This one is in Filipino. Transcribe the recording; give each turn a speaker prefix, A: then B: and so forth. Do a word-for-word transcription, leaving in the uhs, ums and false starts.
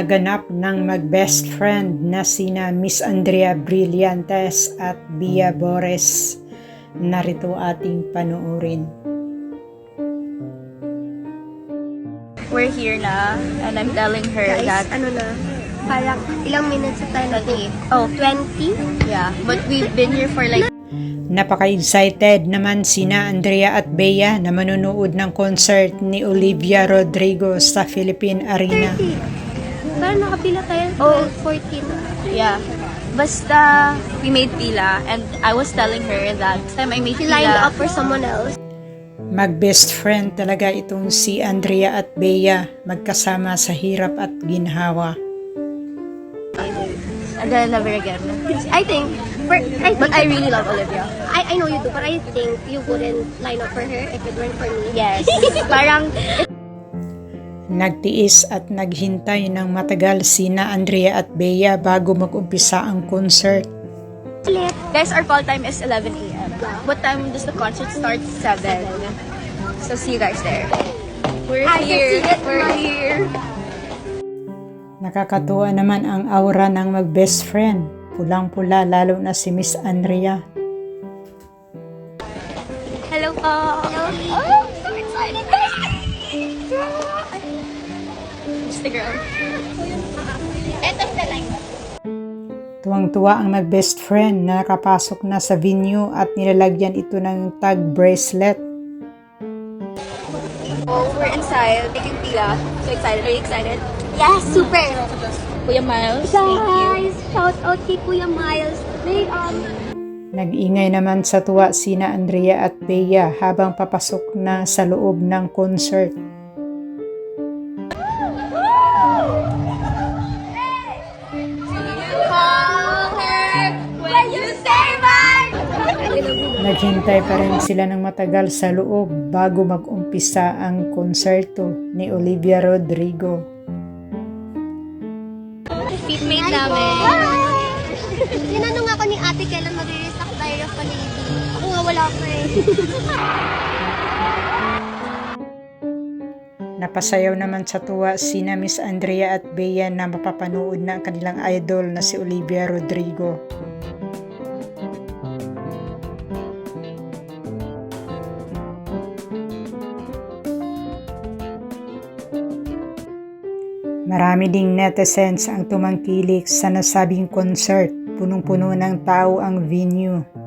A: naganap ng mag-best friend na sina Miss Andrea Brillantes at Bia Bores. Narito ating panoorin.
B: We're here na, and I'm telling her
C: Guys,
B: that,
C: ano na, parang ilang minutes na tayo
B: twenty.
C: Oh, twenty?
B: Yeah, but we've been here for like,
A: Napaka-excited naman sina Andrea at Bea na manunood ng concert ni Olivia Rodrigo sa Philippine Arena.
C: thirty. Parang nakapila tayo
B: Oh.
C: twelve, fourteen.
B: yeah. Basta, we made pila, and I was telling her that next time I made
C: She lined
B: pila,
C: up for someone else.
A: Mag-best friend talaga itong si Andrea at Bea, magkasama sa hirap at ginhawa.
B: and then never again.
C: I think, for, I
B: But
C: think,
B: I really love Olivia.
C: I, I know you do, but I think you wouldn't line up for her if it weren't for me.
B: Yes. Parang,
A: Nagtiis at naghintay ng matagal sina Andrea at Bea bago mag-umpisa ang concert.
C: Ulit.
B: guys, our call time is eleven a m What time does the concert start? seven. So see you guys there. We're
C: I can
B: here.
C: see it.
B: We're here.
A: Nakakatuwa naman ang aura ng mag-best friend. Pulang-pula lalo na si Miss Andrea.
B: Hello po.
C: Hello.
B: Oh, so excited. Just the girl. End of the line.
A: Tuwang-tuwa ang mag-best friend na nakapasok na sa venue at nilalagyan ito ng tag bracelet.
B: Oh, we're inside. Taking pila. So excited. Are you excited?
C: Yes, super.
B: Kuya Miles, thank you.
C: Guys, shout out kay Kuya Miles. They, um,
A: Nag-ingay naman sa tuwa sina Andrea at Bea habang papasok na sa loob ng concert.
B: Call her when you say bye.
A: Naghintay pa rin sila ng matagal sa loob bago mag-umpisa ang konserto ni Olivia Rodrigo.
B: Seatmate namin.
C: Tinanong ako ni ate kailan mag-release ako tayo of a lady. Ako nga wala ko eh.
A: Napasayaw naman sa tuwa sina Miss Andrea at Bea na mapapanood na ang kanilang idol na si Olivia Rodrigo. Marami ding netizens ang tumangkilik sa nasabing concert. Punong-puno ng tao ang venue.